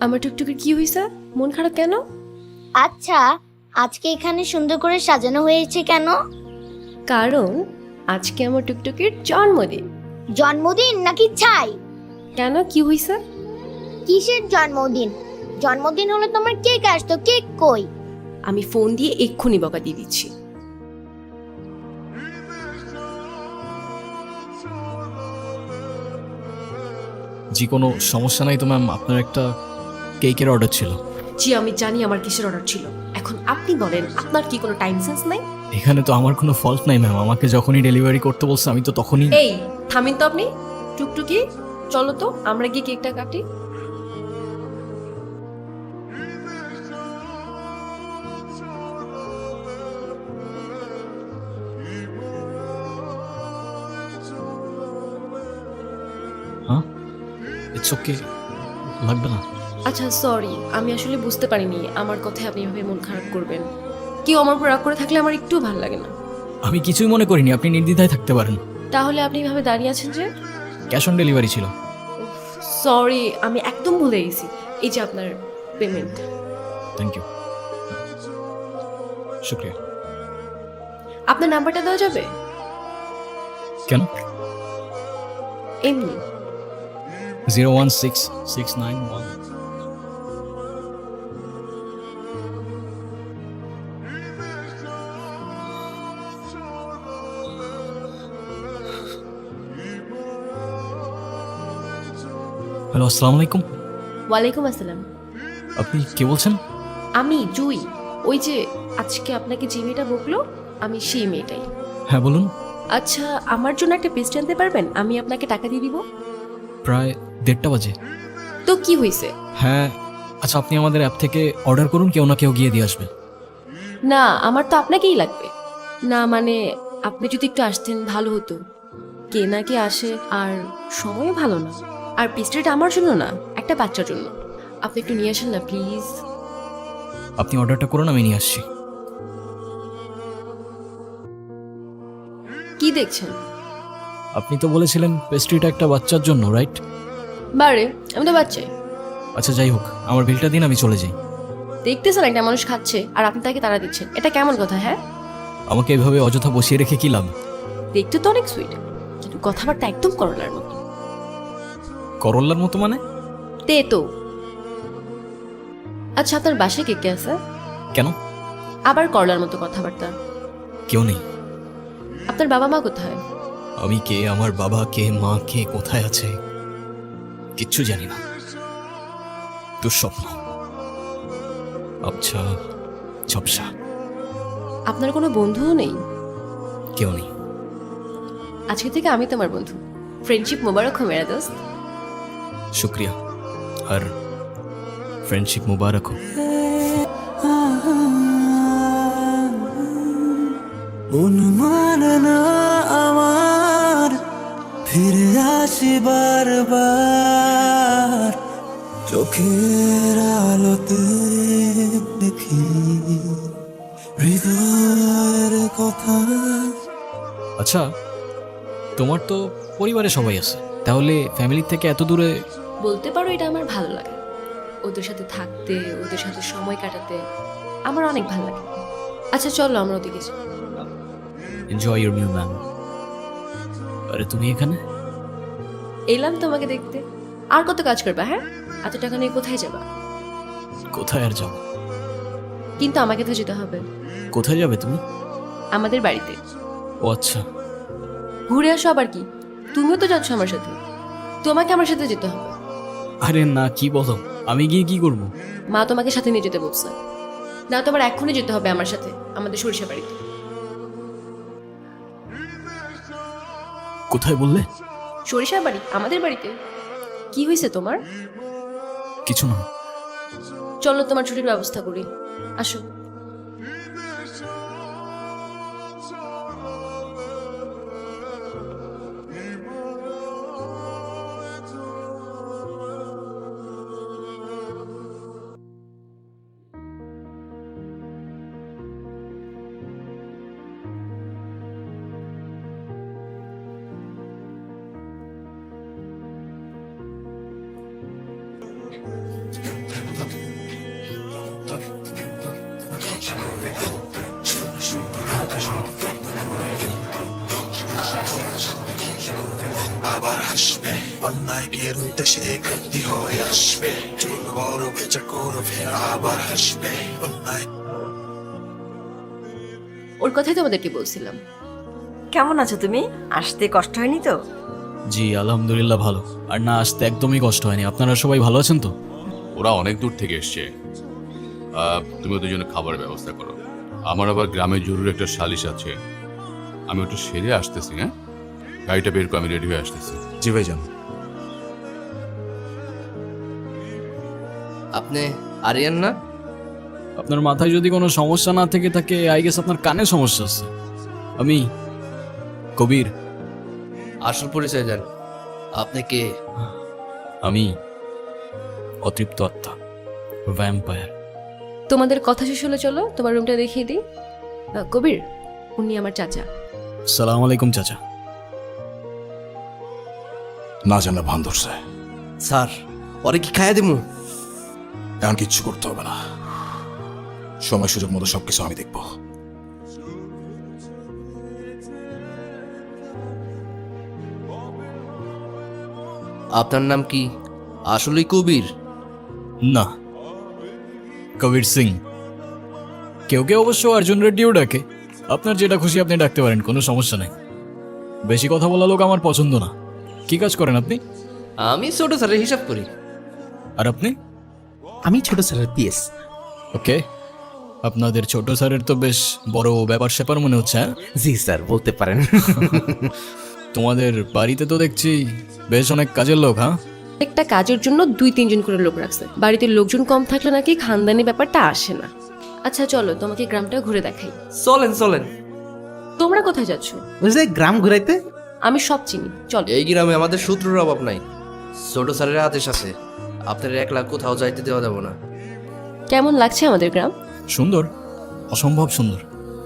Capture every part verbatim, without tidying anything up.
আমার টুকটুকির কি হয়েছে? মন খারাপ কেন? আচ্ছা, আজকে এখানে সুন্দর করে সাজানো হয়েছে কেন? কারণ আজকে আমার টুকটুকির জন্মদিন। জন্মদিন নাকি ছাই? কেন, কি হয়েছে? কিসের জন্মদিন? জন্মদিন হলে তোমার কেক আসতো, কেক কই? আমি ফোন দিয়ে এক্ষুনি বকা দিয়ে দিচ্ছি। জি, কোনো সমস্যা নাই তো ম্যাম। আপনার একটা কেকের অর্ডার ছিল। জি আমি জানি আমার কিসের অর্ডার ছিল। এখন আপনি বলেন, আপনার কি কোনো টাইম সেন্স নাই? এখানে তো আমার কোনো ফল্ট নাই ম্যাম। আমাকে যখনই ডেলিভারি করতে বলছে আমি তো তখনই। এই থামিন তো আপনি। টুকটুকি চলো তো আমরা গিয়ে কেকটা কাটি। হ্যাঁ, ইটস ওকে, লাগবে না। আচ্ছা সরি, আমি আসলে বুঝতে পারিনি আমার কথায় আপনি এভাবে মন খারাপ করবেন। কেউ আমার উপর রাগ করে থাকলে আমার একটু ভালো লাগে না। আমি কিছুই মনে করিনি, আপনি নির্দ্বিধায় থাকতে পারেন। তাহলে আপনি এভাবে দাঁড়িয়ে আছেন যে? ক্যাশ অন ডেলিভারি ছিল। সরি, আমি একদম ভুলে গেছি। এই যে আপনার পেমেন্ট। থ্যাংক ইউ, শুক্রিয়া। আপনার নাম্বারটা দেওয়া যাবে? কেন? এমনি। Zero one six six nine one. Hello, আসসালামু আলাইকুম। ওয়ালাইকুম আসসালাম। আপনি কে বলছেন? আমি জুই। ওই যে আজকে আপনাকে যে মেয়েটা বকলো, আমি সেই মেয়েটাই। হ্যাঁ বলুন। আচ্ছা, আমার জন্য একটা পেস্ট আনতে পারবেন? আমি আপনাকে টাকা দিয়ে দিব। প্রায় দেড়টা বাজে। তো কি হয়েছে? হ্যাঁ, আচ্ছা আপনি আমাদের অ্যাপ থেকে অর্ডার করুন, কেউ না কেউ গিয়ে দিয়ে আসবে। না, আমার তো আপনাকেই লাগবে। না মানে আপনি যদি একটু আসতেন ভালো হতো। কে না কে আসে, আর সময়ও ভালো না। আর পেস্ট্রিটা আমার জন্য না, একটা বাচ্চার জন্য। আপনি একটু নিয়ে আসেন না প্লিজ। আপনি অর্ডারটা করুন, আমি নিয়ে আসছি। কি দেখছেন? আপনি তো বলেছিলেন পেস্ট্রিটা একটা বাচ্চার জন্য, রাইট? বারে, আমি তো বাচ্চাই। আচ্ছা যাই হোক, আমার বিলটা দিন, আমি চলে যাই। দেখতেছেন একটা মানুষ খাচ্ছে আর আপনি তাকে তাড়া দিচ্ছেন, এটা কেমন কথা? হ্যাঁ, আমাকে এভাবে অযথা বসিয়ে রেখে কি লাভ? দেখতে তো অনেক সুইট, কিন্তু কথাবার্তা একদম করলার মতো। করল্লার মতো মানে? তে তো। আচ্ছা, আপনার বাসায় কে কে আছে? কেন? আবার করলার মতো কথাবার্তা। কেউ নেই। আপনার বাবা মা কোথায়? আমি কে, আমার বাবা কে, মা কে, কোথায় আছে কিচ্ছু জানি না। দুঃস্বপ্ন, আচ্ছা ঝপসা। আপনার কোনো বন্ধুও নেই? কেউ নেই। আজকে থেকে আমি তোমার বন্ধু। ফ্রেন্ডশিপ মোবারক হো মেরা দোস্ত। শুক্রিয়া, আর ফ্রেন্ডশিপ মুবারক হোক। মন মানে না আমার, ফিরে আসি বারবার, চোখের আলোতে দেখি হৃদয়ের কথা। আচ্ছা, তোমার তো পরিবারে সবাই আছে, তাহলে ফ্যামিলি থেকে এত দূরে? বলতে পারো এটা আমার ভালো লাগে। ওদের সাথে থাকতে, ওদের সাথে সময় কাটাতে আমার অনেক ভালো লাগে। আচ্ছা চলো আমরা ওদিকে যাই। Enjoy your new ma'am. আরে তুমি এখানে? এলাম তোমাকে দেখতে। আর কত কাজ করবা? হ্যাঁ, এত টাকা নিয়ে কোথায় যাবা? কোথায় আর যাবো? কিন্তু আমাকে তো যেতে হবে। কোথায় যাবে তুমি? আমাদের বাড়িতে। ও আচ্ছা। ঘুরে আসো আবার কি? তুমিও তো যাচ্ছ আমার সাথে, তোমাকে আমার সাথে যেতে হবে। আরে না, কি বলো, আমি গিয়ে কি করব? মা তোমাকে সাথে নিয়ে যেতে বলছে। না তোমার এক্ষুনি যেতে হবে আমার সাথে আমাদের সরিষা বাড়িতে। কোথায় বললে? সরিষা বাড়ি, আমাদের বাড়িতে। কি হয়েছে তোমার? কিছু না। চলো তোমার ছুটির ব্যবস্থা করি, আসো। অন্যায়কের উদ্দেশ্যে গতি হয়ে আসবে, চুল বড় বেচা করবে আবার আসবে অন্যায়। ওর কথাই তোমাদেরকে বলছিলাম। কেমন আছো তুমি? আসতে কষ্ট হয়নি তো? জি আলহামদুলিল্লাহ ভালো। আর না আসতে একদমই কষ্ট হয়নি। আপনারা সবাই ভালো আছেন তো? ওরা অনেক দূর থেকে এসছে। আহ, তুমি ওদের জন্য খাবারের ব্যবস্থা করো। আমার আবার গ্রামে জরুরি একটা সালিশ আছে, আমি ওটা সেরে আসতেছি। হ্যাঁ, গাড়িটা বের করে আমি রেডি হয়ে আসতেছি। জি ভাইজান। আপনি আরিয়ান না? আপনার মাথায় যদি কোনো সমস্যা না থেকে থাকে, আই গেস আপনার কানে সমস্যা আছে। আমি কবির। আসল পরিচয় দেন, আপনি কে? আমি অতৃপ্ত আত্মা, ভ্যাম্পায়ার। তোমাদের কথা শেষ হলে চলো তোমার রুমটা দেখিয়ে দিই। আহ, কবির, উনি আমার চাচা। সালাম আলাইকুম চাচা। না জানা ভান ধরছে, স্যার পরে কি খাইয়া দিমু? এখন কিচ্ছু করতে হবে না, সময় সুযোগ মতো সবকিছু আমি দেখবো। আপনার নাম কি আসলেই কবির? না, কবির সিং। কেউ কেউ অবশ্য অর্জুন রেড্ডিও ডাকে। আপনার যেটা খুশি আপনি ডাকতে পারেন, কোনো সমস্যা নেই। বেশি কথা বলা লোক আমার পছন্দ না। কি কাজ করেন আপনি? আমি ছোট স্যারের হিসাব করি। আর আপনি? আমি ছোট স্যারের পিএস। ওকে, আপনাদের ছোট স্যারের তো বেশ বড় ব্যাপার স্যাপার মনে হচ্ছে। হ্যাঁ, জি স্যার, বলতে পারেন। তোমাদের বাড়িতে তো দেখছি বেশ অনেক কাজের লোক। হ্যাঁ, একটা কাজের জন্য দুই তিনজন করে লোক রাখছে। বাড়িতে লোকজন কম থাকলে নাকি খানদানি ব্যাপারটা আসে না। আচ্ছা চলো তোমাকে গ্রামটা ঘুরে দেখাই। চলেন চলেন। তোমরা কোথায় যাচ্ছ? ওই যে গ্রাম ঘুরাইতে। আমি সব চিনি, চলো। এই গ্রামে আমাদের শত্রুর অভাব নাই, ছোট স্যারের আদেশ আছে। আপনার একলা কোথাও যাইতে দেওয়া যাব না। কেমন লাগছে আমাদের গ্রাম? সুন্দর, অসম্ভব সুন্দর।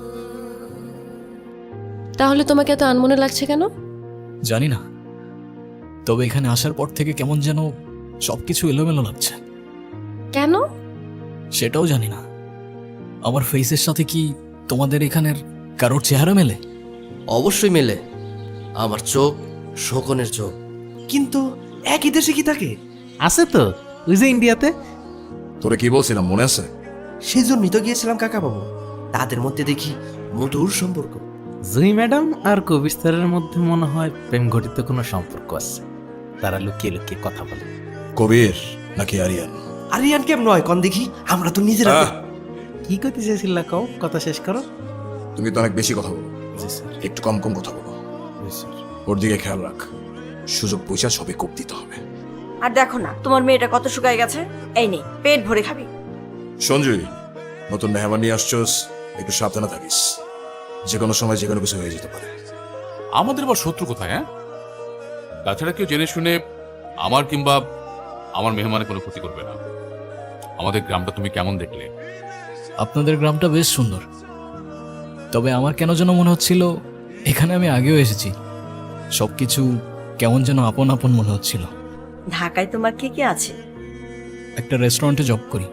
তাহলে তোমাকে এত আনমনে লাগছে কেন? জানি না, তবে এখানে আসার পর থেকে কেমন যেন সবকিছু এলোমেলো লাগছে। কেন? সেটাও জানি না। আমার ফেসের সাথে কি তোমাদের এখানের কারোর চেহারা মেলে? অবশ্যই মেলে, আমার চোখ শোকনের চোখ। কিন্তু একই দেশে কি থাকে? আছে তো, ওই যে ইন্ডিয়াতে। তোরে কি বলছিলাম মনে আছে? সেই জন্যই তো গিয়েছিলাম কাকা বাবু। তাদের মধ্যে দেখি মধুর সম্পর্ক। জুই ম্যাডাম আর কবির স্যারের মধ্যে মনে হয় প্রেম ঘটিত কোনো সম্পর্ক আছে। তারা লুকিয়ে লুকিয়ে কথা বলে। কবির নাকি আরিয়ান? আরিয়ান কেম নয় কন দেখি, আমরা তো নিজেরা। আহ! কি করতে চেয়েছিল কও, কথা শেষ করো। তুমি তো অনেক বেশি কথা বলো, জি স্যার। একটু কম কম কথা বলো। জি স্যার। ওর দিকে খেয়াল রাখ, সুযোগ পয়সা সবই কোপ দিতে হবে। আর দেখো না তোমার মেয়েটা কত শুকায় গেছে। এই নে পেট ভরে খাবি। সঞ্জয়, নতুন মেহমান নিয়ে আসছোস, একটু সাবধানে থাকিস। যে কোনো সময় যে কোনো কিছু হয়ে যেতে পারে। আমাদের আবার শত্রু কোথায়? হ্যাঁ, তাছাড়া কেউ জেনে শুনে আমার কিংবা আমার মেহমানের কোনো ক্ষতি করবে না। আমাদের গ্রামটা তুমি কেমন দেখলে? আপনাদের গ্রামটা বেশ সুন্দর, তবে আমার কেন যেন মনে হচ্ছিল এখানে আমি আগেও এসেছি। সবকিছু কেমন যেন আপন আপন মনে হচ্ছিল। ঢাকায় তোমার কে কে আছে? একটা রেস্টুরেন্টে জব করি,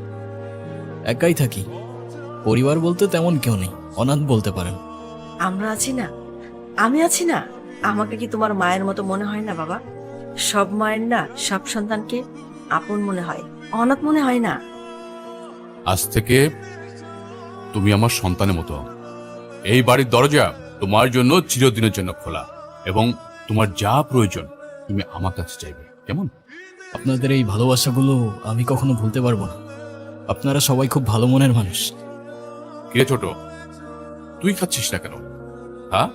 একাই থাকি। পরিবার বলতে তেমন কেউ নেই, অনাথ বলতে পারেন। আমরা আছি না, আমি আছি না। আমাকে কি তোমার মায়ের মতো মনে হয় না বাবা? সব মায়ের না সব সন্তানকে আপন মনে হয়, অনাথ মনে হয় না। আজ থেকে তুমি আমার সন্তানের মতো। এই বাড়ির দরজা তোমার জন্য চিরদিনের জন্য খোলা, এবং তোমার যা প্রয়োজন তুমি আমার কাছে চাইবে। কেমন? আপনাদের এই ভালোবাসাগুলো আমি কখনো ভুলতে পারবো না। আপনারা সবাই খুব ভালো মনের মানুষ। কে ছোট, তুই খাচ্ছিস না কেন? হ্যাঁ,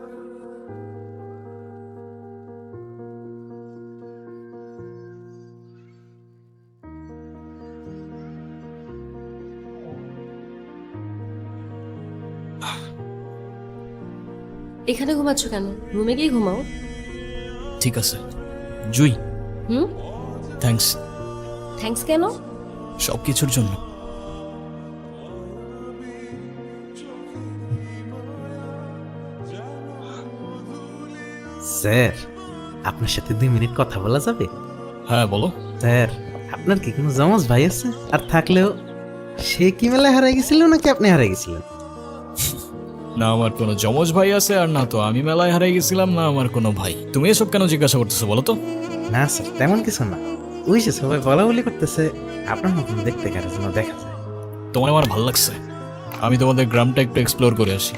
এখানে ঘুমাচ্ছ কেন? রুমে গিয়ে ঘুমাও। ঠিক আছে জুই, হুম, থ্যাঙ্কস থ্যাঙ্কস কেন? সব কিছুর জন্য। স্যার, আপনার সাথে দুই মিনিট কথা বলা যাবে? হ্যাঁ বলো। স্যার, আপনার কি কোনো জমজ ভাই আছে? আর থাকলেও সে কি মেলায় হারিয়ে গেছিল নাকি আপনি হারিয়ে গেছিলেন? না আমার কোনো যমজ ভাই আছে, আর না তো আমি মেলায় হারিয়ে গেছিলাম, না আমার কোনো ভাই। তুমি এসব কেন জিজ্ঞাসা করতেছো বলো তো? না স্যার তেমন কিছু না, ওই যে সবাই বলা বলি করতেছে আপনার মতন দেখতে কারো জন্য দেখা যায়। তোমার আমার ভালো লাগছে, আমি তোমাদের গ্রামটা একটু এক্সপ্লোর করে আসি।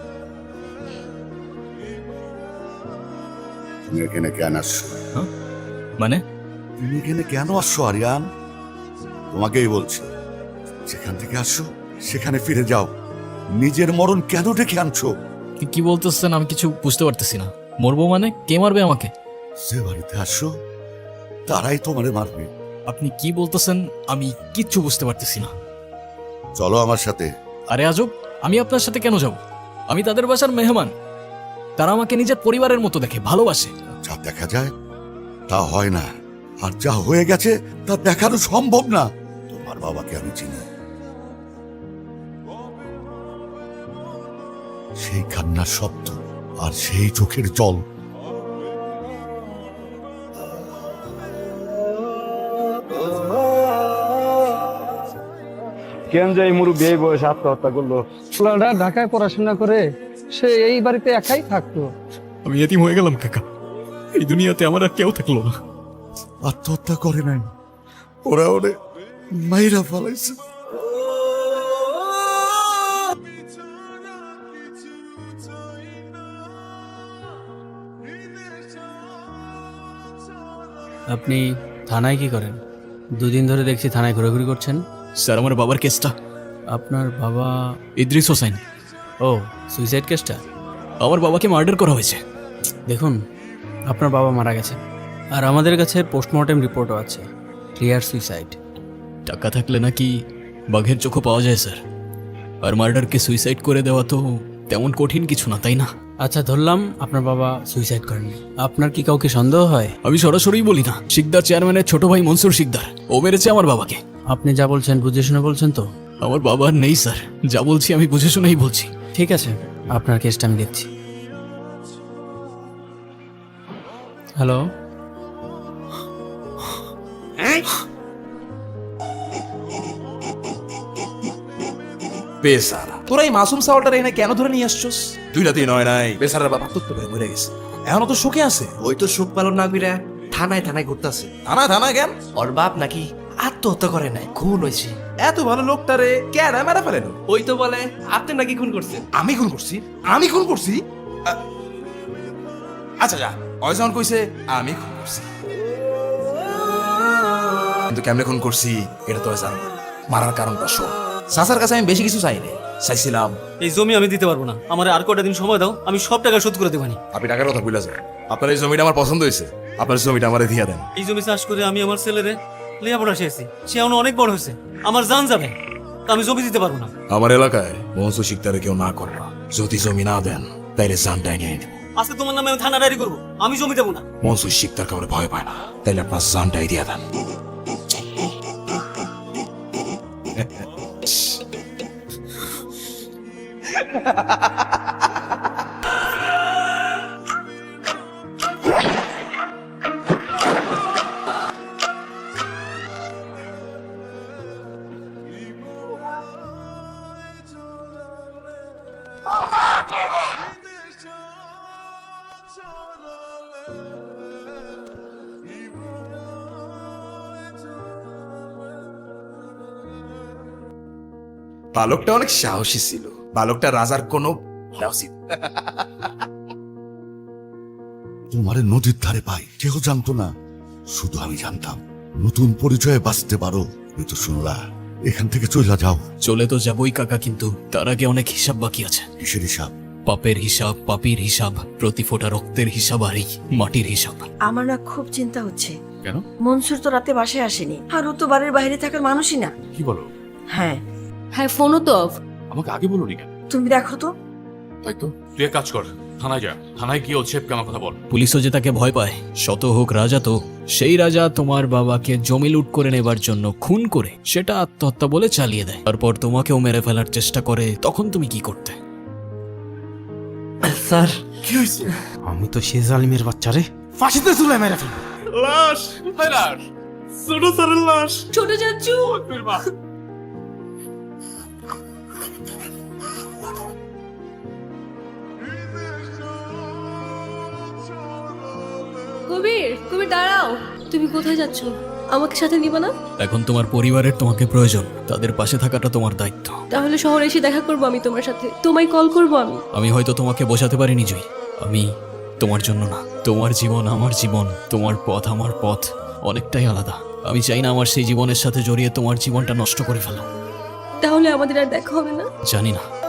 তুমি এখানে কেন আসছো? মানে তুমি এখানে কেন আসছো আরিয়ান? তোমাকেই বলছি, যেখান থেকে আসছো সেখানে ফিরে যাও। নিজের মরণ কেন ডেকে আনছো? কি- কি বলতেছেন আমি কিছু বুঝতে পারতেছি না। মরবো মানে কে মারবে আমাকে? যে বাড়িতে আসছো তারাই তোমারে মারবে। আপনি কি বলতেছেন আমি কিচ্ছু বুঝতে পারতেছি না। চলো আমার সাথে। আরে আজব, আমি আপনার সাথে কেন যাব? আমি তাদের বাসার মেহমান, তারা আমাকে নিজের পরিবারের মতো দেখে, ভালোবাসে। যা দেখা যায় তা হয় না, আর যা হয়ে গেছে তা দেখানো সম্ভব না। তোমার বাবাকে আমি চিনি, সেই কান্নার শব্দ আর সেই চোখের জল। কেন যে এই মুরব্বী এই বয়সে আত্মহত্যা করলো? ছেলেটা ঢাকায় পড়াশোনা করে সে এই বাড়িতে একাই থাকতো। আমি এতিম হয়ে গেলাম কাকা, এই দুনিয়াতে আমার আর কেউ থাকলো না। আত্মহত্যা করে নাই, ওরা ওরে মাইরা ফেলাইছে। আপনি থানায় কি করেন? দুদিন ধরে দেখছি থানায় ঘোরাঘুরি করছেন। স্যার আমার বাবার কেসটা। আপনার বাবা? ইদ্রিস হোসেন। ও, সুইসাইড কেসটা? আমার বাবাকে মার্ডার করা হয়েছে। দেখুন, আপনার বাবা মারা গেছে, আর আমাদের কাছে পোস্টমর্টেম রিপোর্টও আছে, ক্লিয়ার সুইসাইড। টাকা থাকলে নাকি বাঘের চোখও পাওয়া যায় স্যার, আর মার্ডারকে সুইসাইড করে দেওয়া তো তেমন কঠিন কিছু না, তাই না? আচ্ছা, ধরলাম আপনার বাবা সুইসাইড করেননি, আপনার কি কাউকে সন্দেহ হয়? আমি সরাসরি বলি না, শিকদার চেয়ারম্যানের ছোট ভাই মনসুর শিকদার, ও মেরেছে আমার বাবাকে। আপনি যা বলছেন বুঝে শুনে বলছেন তো? আমার বাবা আর নেই স্যার, যা বলছি আমি বুঝে শুনেই বলছি। ঠিক আছে, আপনার কেসটা আমি দেখছি। হ্যালো, বেসারা, তোরা এই মাসুম সাওয়ালটার এখানে কেন ধরে নিয়ে আসছস? দুই রাতেই নয় নাই, বেসারার বাবা তো তোরে মরে গেছে, এখনো তো শোকে আছে। ওই তো সুখ পালন না কইরা থানায় থানায় ঘুরতেছে। থানা থানা কেন? ওর বাপ নাকি আত্মহত্যা করে নাই, খুন হয়েছে। এত ভালো লোকটারে কেন মেরা ফেলেন? ওই তো বলে আপনি নাকি খুন করছেন। আমি খুন করছি? আমি খুন করছি? আ- আচ্ছা যা, ওই যখন কইছে আমি খুন করছি, কিন্তু কেমনে খুন করছি এটা তো জানো। মারার কারণটা শোন। চাচার কাছে আমি বেশি কিছু চাই না, চাইছিলাম এই জমি আমি দিতে পারবো না, আমার আর কটা দিন সময় দাও, আমি সব টাকা শোধ করে দেবানি। আপনি টাকার কথা ভুলে যান, আপনার এই জমিটা আমার পছন্দ হয়েছে, আপনার জমিটা আমারে দিয়ে দেন। এই জমি চাষ করে আমি আমার ছেলেরে লেখাপড়া শিখেছি, সে এখন অনেক বড় হয়েছে, আমার জান যাবে, তা আমি জমি দিতে পারবো না। আমার এলাকায় মনসুর শিকদারে কেউ না করবা, যদি জমি না দেন তাইলে জানটাই নিয়ে নেব। আজকে তোমার নামে আমি থানা ডায়েরি করবো, আমি জমি দেবো না। মনসুর শিকদার কাউরে ভয় পায় না, তাইলে আপনার জানটাই দিয়ে দেন। বালকটা অনেক সাহসী ছিল, বালকটা রাজার কোনো তোমারে নদীর ধারে পাই কেউ জানতো না, শুধু আমি জানতাম। নতুন পরিচয়ে বাঁচতে পারো, এই তো শুনলা। এখান থেকে চলে যাও। চলে তো যাবই কাকা, কিন্তু তার আগে অনেক হিসাব বাকি আছে। কিসের হিসাব? পাপের হিসাব, পাপির হিসাব, প্রতি ফোঁটা রক্তের হিসাব, আর এই মাটির হিসাব। আমার না খুব চিন্তা হচ্ছে। কেন? মনসুর তো রাতে বাসায় আসেনি, আর ও তো বাড়ির বাইরে থাকার মানুষই না। কি বলো? হ্যাঁ, হ্যাঁ, ফোনও তো অফ। আমাকে আগে বলোনি কেন? তুমি দেখো তো। তাই তো, তুই এক কাজ কর, থানায় যা, থানায় গিয়ে ওর ছেপকে আমার কথা বল। পুলিশও যে তাকে ভয় পায়, শত হোক রাজা তো, সেই রাজা তোমার বাবাকে জমি লুট করে নেবার জন্য খুন করে সেটা আত্মহত্যা বলে চালিয়ে দেয়, তারপর তোমাকেও মেরে ফেলার চেষ্টা করে, তখন তুমি কি করতে? স্যার, কি হয়েছে? আমি তো সে জালিমের বাচ্চারে ফাঁসিতে ঝুলাই মেরে ফেল। লাশ, কোথায় লাশ? ছোট স্যারের লাশ। ছোট চাচু, কবির, কবির দাঁড়াও, তুমি কোথায় যাচ্ছ? আমাকে সাথে নিবা না? এখন তোমার পরিবারের তোমাকে প্রয়োজন, তাদের পাশে থাকাটা তোমার দায়িত্ব। তাহলে শহরে এসে দেখা করবো আমি তোমার সাথে, তোমায় কল করবো আমি। আমি হয়তো তোমাকে বোঝাতে পারিনি জয়ী, আমি তোমার জন্য না। তোমার জীবন আমার জীবন, তোমার পথ আমার পথ অনেকটাই আলাদা। আমি চাই না আমার সেই জীবনের সাথে জড়িয়ে তোমার জীবনটা নষ্ট করে ফেলো। তাহলে আমাদের আর দেখা হবে না? জানি না,